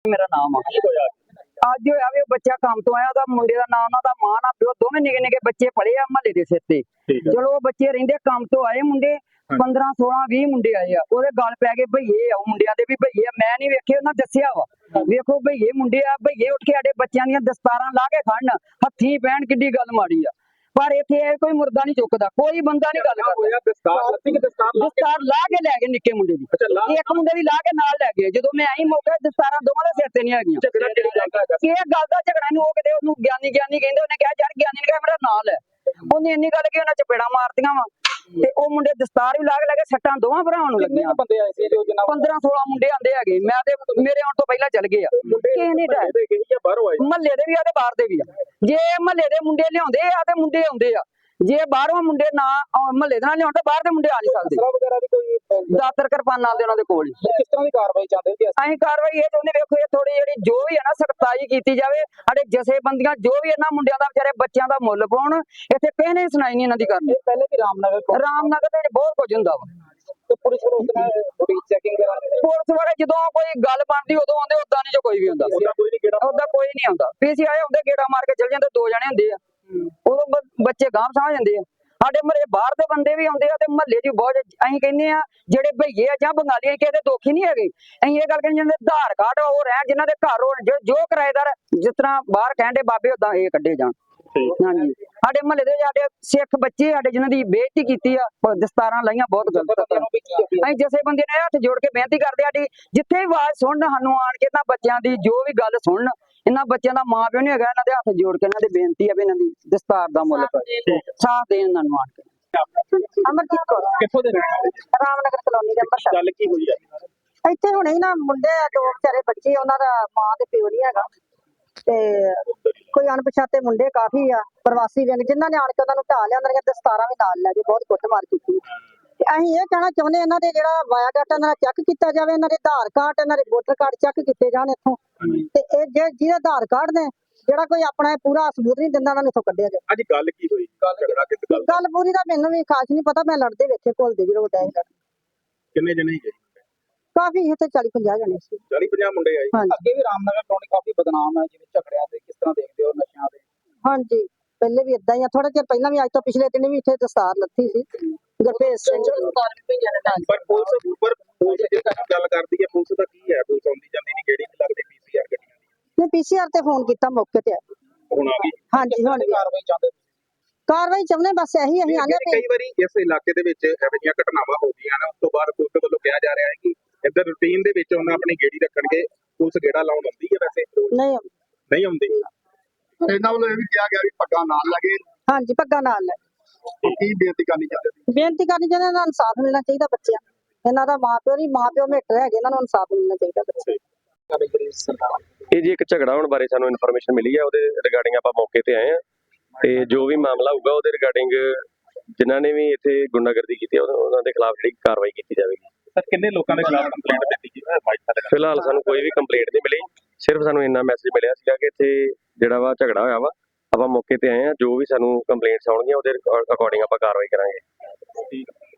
ਮੇਰਾ ਨਾਮ ਆ। ਅੱਜ ਹੋਇਆ ਵੀ ਉਹ ਬੱਚਾ ਕੰਮ ਤੋਂ ਆਇਆ, ਉਹਦਾ ਮੁੰਡੇ ਦਾ ਨਾਮ, ਉਹਨਾਂ ਦਾ ਮਾਂ ਨਾ ਪਿਓ ਦੋਵੇਂ ਨਿੱਕੇ ਨਿੱਕੇ ਬੱਚੇ ਪਲੇ ਆ ਮਹੱਲੇ ਦੇ ਸਿਰ ਤੇ। ਚਲੋ ਉਹ ਬੱਚੇ ਰਹਿੰਦੇ ਕੰਮ ਤੋਂ ਆਏ ਮੁੰਡੇ 15 16 20 ਮੁੰਡੇ ਆਏ ਆ, ਉਹਦੇ ਗੱਲ ਪੈ ਗਏ ਭਈਏ ਆ, ਉਹ ਮੁੰਡਿਆਂ ਦੇ ਵੀ ਭਈਏ ਆ। ਮੈਂ ਨਹੀਂ ਵੇਖੇ, ਉਹਨਾਂ ਦੱਸਿਆ ਵਾ ਵੇਖੋ ਭਈਏ ਮੁੰਡੇ ਆ, ਭਈਏ ਉੱਠ ਕੇ ਸਾਡੇ ਬੱਚਿਆਂ ਦੀਆਂ ਦਸਤਾਰਾਂ ਲਾ ਕੇ ਖੜਨ, ਹੱਥੀਂ ਪੈਣ, ਕਿੱਡੀ ਗੱਲ ਮਾੜੀ ਆ। ਪਰ ਇੱਥੇ ਕੋਈ ਮੁਰਦਾ ਨਹੀਂ ਚੁੱਕਦਾ, ਕੋਈ ਬੰਦਾ ਨਹੀਂ ਗੱਲ ਕਰਦਾ। ਦਸਤਾਰ ਲਾ ਕੇ ਲੈ ਗਏ ਨਿੱਕੇ ਮੁੰਡੇ ਦੀ, ਇੱਕ ਮੁੰਡੇ ਦੀ ਲਾ ਕੇ ਨਾਲ ਲੈ ਗਏ। ਜਦੋਂ ਮੈਂ ਆਈ ਮੌਕੇ ਦਸਤਾਰਾਂ ਦੋਵਾਂ ਦੇ ਸਿਰ ਤੇ ਨਹੀਂ ਹੈਗੀਆਂ। ਇਹ ਗੱਲ ਦਾ ਝਗੜਾ ਨਹੀਂ, ਉਹ ਕਿਤੇ ਉਹਨੂੰ ਗਿਆਨੀ ਕਹਿੰਦੇ, ਉਹਨੇ ਕਿਹਾ ਯਾਰ ਗਿਆਨੀ ਨੇ ਕਿਹਾ ਮੇਰਾ ਨਾਂ ਲੈ, ਉਹਨੇ ਇੰਨੀ ਗੱਲ ਕਿ ਉਹਨਾਂ ਚਪੇੜਾ ਮਾਰਤੀਆਂ ਵਾ। ਤੇ ਉਹ ਮੁੰਡੇ ਦਸਤਾਰ ਵੀ ਲਾ ਕੇ ਲੈ ਕੇ ਸੱਟਾਂ ਦੋਵਾਂ ਭਰਾਵਾਂ ਨੂੰ ਲੱਗੀਆਂ। 15 16 ਮੁੰਡੇ ਆਂਦੇ ਹੈਗੇ, ਮੈਂ ਤੇ ਮੇਰੇ ਆਉਣ ਤੋਂ ਪਹਿਲਾਂ ਚੱਲ ਗਏ ਆ। ਕਿਸੇ ਨੇ ਮਹੱਲੇ ਦੇ ਵੀ ਆ ਤੇ ਬਾਹਰ ਦੇ ਵੀ ਆ। ਜੇ ਮਹੱਲੇ ਦੇ ਮੁੰਡੇ ਲਿਆਉਂਦੇ ਆ ਤੇ ਮੁੰਡੇ ਆਉਂਦੇ ਆ, ਜੇ ਬਾਹਰੋਂ ਮੁੰਡੇ ਨਾ ਮਹੱਲੇ ਦੇ ਨਾਲ ਲਿਆਉਣ ਤਾਂ ਬਾਹਰ ਦੇ ਮੁੰਡੇ ਆ ਨਹੀਂ ਸਕਦੇ। ਦਾਤਰ ਕਿਰਪਾਨਾਂ ਦੇ ਉਹਨਾਂ ਦੇ ਕੋਲ। ਕਿਸ ਤਰ੍ਹਾਂ ਦੀ ਕਾਰਵਾਈ ਚਾਹੁੰਦੇ ਜੀ? ਅਸੀਂ ਕਾਰਵਾਈ ਇਹ ਚਾਹੁੰਦੇ, ਵੇਖੋ ਇਹ ਥੋੜੀ ਜਿਹੜੀ ਜੋ ਵੀ ਹੈ ਨਾ ਸਖਤਾਈ ਕੀਤੀ ਜਾਵੇ। ਸਾਡੇ ਜਥੇਬੰਦੀਆਂ ਜੋ ਵੀ ਇਹਨਾਂ ਮੁੰਡਿਆਂ ਦਾ ਵਿਚਾਰੇ ਬੱਚਿਆਂ ਦਾ ਮੁੱਲ ਪਾਉਣ। ਇੱਥੇ ਕਿਸੇ ਨੇ ਸੁਣਾਈ ਨਹੀਂ ਇਹਨਾਂ ਦੀ ਕਰਨੀ। ਪਹਿਲੇ ਵੀ ਰਾਮਨਗਰ ਤੇ ਬਹੁਤ ਕੁਝ ਹੁੰਦਾ ਵਾ। ਪੁਲਿਸ ਥੋੜੀ ਚੈਕਿੰਗ ਕਰਾਉਂਦੇ, ਪੁਲਿਸ ਵਾਲੇ ਜਦੋਂ ਕੋਈ ਗੱਲ ਬਣਦੀ ਉਦੋਂ ਆਉਂਦੇ, ਉਦਾਂ ਨਹੀਂ ਜੋ ਕੋਈ ਵੀ ਹੁੰਦਾ। ਉਦਾਂ ਕੋਈ ਨਹੀਂ ਆਉਂਦਾ। ਪੀਸੀਆਈ ਆਉਂਦੇ ਗੇੜਾ ਮਾਰ ਕੇ ਚਲ ਜਾਂਦੇ, 2 ਜਣੇ ਹੁੰਦੇ ਆ, ਉਦੋਂ ਬੱਚੇ ਗਾਂਹ ਸਮਝ ਜਾਂਦੇ ਆ। ਸਾਡੇ ਮਹੱਲੇ ਬਾਹਰ ਦੇ ਬੰਦੇ ਵੀ ਆਉਂਦੇ ਆ ਤੇ ਮਹੱਲੇ 'ਚ ਬਹੁਤ ਅਸੀਂ ਕਹਿੰਦੇ ਆ ਜਿਹੜੇ ਭਈਏ ਆ ਜਾਂ ਬੰਗਾਲੀ ਕਿਸੇ ਦੇ ਦੋਖੀ ਨਹੀਂ ਹੈਗੇ। ਅਸੀਂ ਇਹ ਗੱਲ ਕਹਿੰਦੇ, ਜਿਹਨਾਂ ਦੇ ਆਧਾਰ ਕਾਰਡ ਉਹ ਰਹਿਣ, ਜਿਨ੍ਹਾਂ ਦੇ ਘਰ ਹੋਣ, ਜੋ ਕਿਰਾਏਦਾਰ ਜਿਸ ਤਰ੍ਹਾਂ ਬਾਹਰ ਕਹਿੰਦੇ ਬਾਬੇ ਉਦਾਂ ਇਹ ਕੱਢੇ ਜਾਣ। ਹਾਂਜੀ, ਸਾਡੇ ਮਹੱਲੇ ਦੇ ਸਾਡੇ ਸਿੱਖ ਬੱਚੇ ਸਾਡੇ ਜਿਨ੍ਹਾਂ ਦੀ ਬੇਇੱਜ਼ਤੀ ਕੀਤੀ ਆ, ਦਸਤਾਰਾਂ ਲਾਈਆਂ, ਬਹੁਤ ਗਲਤ। ਅਸੀਂ ਜਥੇਬੰਦੀ ਨੇ ਹੱਥ ਜੋੜ ਕੇ ਬੇਨਤੀ ਕਰਦੇ ਸਾਡੀ ਜਿੱਥੇ ਵੀ ਆਵਾਜ਼ ਸੁਣਨ, ਸਾਨੂੰ ਆਣ ਕੇ ਇਹਨਾਂ ਬੱਚਿਆਂ ਦੀ ਜੋ ਵੀ ਗੱਲ ਸੁਣਨ। ਇਹਨਾਂ ਬੱਚਿਆਂ ਦਾ ਮਾਂ ਪਿਓ ਨਹੀਂ ਹੈਗਾ, ਇਹਨਾਂ ਦੇ ਹੱਥ ਜੋੜ ਕੇ ਇਹਨਾਂ ਦੀ ਬੇਨਤੀ ਆ ਵੀ ਇਹਨਾਂ ਦੀ ਦਸਤਾਰ ਦਾ ਮੁੱਲ ਸਾਥ ਦੇਣ ਇਹਨਾਂ ਨੂੰ ਆਣ ਕੇ। ਅਮਰਜੀਤ ਕੌਰ, ਕਿੱਥੋਂ ਦੇ ਰਾਮਨਗਰ ਕਲੋਨੀ ਦੇ ਅੰਮ੍ਰਿਤਸਰ। ਗੱਲ ਕੀ ਹੋਈ ਹੈ? ਇੱਥੇ ਹੁਣੇ ਨਾ ਮੁੰਡੇ 2 ਵਿਚਾਰੇ ਬੱਚੇ, ਉਹਨਾਂ ਦਾ ਮਾਂ ਤੇ ਪਿਓ ਨਹੀਂ ਹੈਗਾ, ਤੇ ਕੋਈ ਅਣਪਛਾਤੇ ਮੁੰਡੇ ਕਾਫੀ ਆ ਪ੍ਰਵਾਸੀ ਵਿਅੰਗ, ਜਿਨ੍ਹਾਂ ਨੇ ਆਣ ਕੇ ਉਹਨਾਂ ਨੂੰ ਢਾਹ ਲਿਆ, ਉਹਨਾਂ ਦੀਆਂ ਦਸਤਾਰਾਂ ਵੀ ਨਾਲ ਲੈ ਕੇ ਬਹੁਤ ਕੁੱਟਮਾਰ ਕੀਤੀ। ਤੇ ਅਸੀਂ ਇਹ ਕਹਿਣਾ ਚਾਹੁੰਦੇ, ਇਹਨਾਂ ਦੇ ਜਿਹੜਾ ਬਾਇਓਡਾਟਾ ਇਹਨਾਂ ਦਾ ਚੈੱਕ ਕੀਤਾ ਜਾਵੇ, ਇਹਨਾਂ ਦੇ ਆਧਾਰ ਕਾਰਡ, ਇਹਨਾਂ ਦੇ ਵੋਟਰ ਕਾਰਡ ਚੈੱਕ ਕੀਤੇ ਜਾਣ ਇੱਥੋਂ। ਤੇ ਇਹ ਜਿਹਦੇ ਆਧਾਰ ਕਾਰਡ ਨੇ ਜਿਹੜਾ ਕੋਈ ਆਪਣਾ ਪੂਰਾ ਸਬੂਤ ਨਹੀਂ ਦਿੰਦਾ, ਉਹਨਾਂ ਨੂੰ ਇੱਥੋਂ ਕੱਢਿਆ ਜਾਵੇ। ਅੱਜ ਗੱਲ ਕੀ ਹੋਈ? ਗੱਲ ਪੂਰੀ ਦਾ ਮੈਨੂੰ ਵੀ ਖਾਸ ਨਹੀਂ ਪਤਾ, ਮੈਂ ਲੜਦੇ ਵੇਖੇ ਘੁਲਦੇ ਜਦੋਂ ਡੈ ਕਿੰਨੇ ਜਣੇ ਸੀਗੇ? ਕਾਫੀ ਇੱਥੇ 40-50 ਜਣੇ ਸੀ। 40-50 ਮੁੰਡੇ ਆਏ। ਅੱਗੇ ਵੀ ਰਾਮਨਗਰ ਕਲੋਨੀ ਕਾਫੀ ਬਦਨਾਮ ਹੈ, ਜਿਵੇਂ ਝਗੜਿਆਂ ਤੇ ਕਿਸ ਤਰ੍ਹਾਂ ਦੇਖਦੇ ਹੋ, ਨਸ਼ਿਆਂ ਦੇ? ਹਾਂਜੀ, ਪਹਿਲੇ ਵੀ ਇਦਾਂ ਹੀ ਆ, ਥੋੜਾ ਚਿਰ ਪਹਿਲਾਂ ਵੀ, ਅੱਜ ਤੋਂ ਪਿਛਲੇ ਦਿਨ ਵੀ ਇੱਥੇ ਦਸਤਾਰ ਲੱਥੀ ਸੀ ਗੁਰਭੇਜ ਸਿੰਘ। ਪਰ ਪੁਲਿਸ ਜੇ ਗੱਲ ਕਰਦੀ ਹੈ, ਪੁਲਿਸ ਦਾ ਕੀ ਹੈ? ਪੁਲਿਸ ਆਉਂਦੀ ਜਾਂਦੀ ਨਹੀਂ, ਕਿਹੜੀ ਲੱਗਦੀ ਪੀਸੀਆਰ ਗੱਡੀਆਂ ਦੀ? ਨੇ ਪੀਸੀਆਰ ਤੇ ਫੋਨ ਕੀਤਾ, ਮੌਕੇ ਤੇ ਆਏ। ਹੁਣ ਆ ਗਈ? ਹਾਂਜੀ, ਹੁਣ ਕਾਰਵਾਈ ਚਾਹੁੰਦੇ? ਕਾਰਵਾਈ ਚਾਹੁੰਦੇ ਬਸ ਇਹੀ ਅਸੀਂ ਆਨੇ ਕਈ ਵਾਰੀ ਇਸ ਇਲਾਕੇ ਦੇ ਵਿੱਚ ਇਹੋ ਜਿਹੀਆਂ ਘਟਨਾਵਾਂ ਹੋ ਗਈਆਂ ਨੇ, ਉਸ ਤੋਂ ਬਾਅਦ ਪੁਲਿਸ ਵੱਲੋਂ ਕਿਹਾ ਜਾ ਰਿਹਾ ਹੈ ਕਿ ਇੱਧਰ ਰੂਟੀਨ ਦੇ ਵਿੱਚ ਉਹਨਾਂ ਆਪਣੀ ਗੇੜੀ ਰੱਖਣਗੇ। ਪੁਲਿਸ ਗੇੜਾ ਲਾਉਣ ਆਉਂਦੀ ਹੈ ਵੈਸੇ? ਨਹੀਂ ਆਉਂਦੀ। ਇਹਨਾਂ ਵੱਲੋਂ ਇਹ ਵੀ ਕਿਹਾ ਗਿਆ ਵੀ ਪੱਗਾਂ ਨਾਲ ਲੱਗੇ। ਹਾਂਜੀ, ਪੱਗਾਂ ਨਾਲ ਲੈ। ਕੀ ਬੇਨਤੀ ਕਰਨੀ ਚਾਹੁੰਦੇ? ਬੇਨਤੀ ਕਰਨੀ ਚਾਹੁੰਦੇ, ਇਹਨਾਂ ਨੂੰ ਇਨਸਾਫ ਮਿਲਣਾ ਚਾਹੀਦਾ ਬੱਚਿਆਂ ਨੂੰ। ਇਹਨਾਂ ਦਾ ਮਾਂ ਪਿਓ ਮੇਟਰ ਹੈਗੇ, ਇਹਨਾਂ ਨੂੰ ਇਨਸਾਫ ਮਿਲਣਾ ਚਾਹੀਦਾ ਬੱਚੇ। ਇਹ ਜੀ ਇੱਕ ਝਗੜਾ ਹੋਣ ਬਾਰੇ ਸਾਨੂੰ ਇਨਫੋਰਮੇਸ਼ਨ ਮਿਲੀ ਹੈ, ਉਹਦੇ ਰਿਗਾਰਡਿੰਗ ਆਪਾਂ ਮੌਕੇ ਤੇ ਆਏ ਆ। ਤੇ ਜੋ ਵੀ ਮਾਮਲਾ ਹੋਊਗਾ ਉਹਦੇ ਰਿਗਾਰਡਿੰਗ ਜਿਨ੍ਹਾਂ ਨੇ ਵੀ ਇੱਥੇ ਗੁੰਡਾਗਰਦੀ ਕੀਤੀ ਉਹਨਾਂ ਦੇ ਖਿਲਾਫ ਜਿਹੜੀ ਕਾਰਵਾਈ ਕੀਤੀ ਜਾਵੇਗੀ। ਸਰ, ਕਿੰਨੇ ਲੋਕਾਂ ਦੇ ਖਿਲਾਫ ਕੰਪਲੇਂਟ ਦਿੱਤੀ ਗਈ? ਫਿਲਹਾਲ ਸਾਨੂੰ ਕੋਈ ਵੀ ਕੰਪਲੇਂਟ ਨਹੀਂ ਮਿਲੀ, ਸਿਰਫ ਸਾਨੂੰ ਇੰਨਾ ਮੈਸੇਜ ਮਿਲਿਆ ਸੀਗਾ ਕਿ ਇੱਥੇ ਜਿਹੜਾ ਵਾ ਝਗੜਾ ਹੋਇਆ ਵਾ। ਆਪਾਂ ਮੌਕੇ ਤੇ ਆਏ ਆ, ਜੋ ਵੀ ਸਾਨੂੰ ਕੰਪਲੇਂਟਸ ਆਉਣਗੀਆਂ ਉਹਦੇ ਅਕੋਰਡਿੰਗ ਆਪਾਂ ਕਾਰਵਾਈ ਕਰਾਂਗੇ। ਠੀਕ ਹੈ।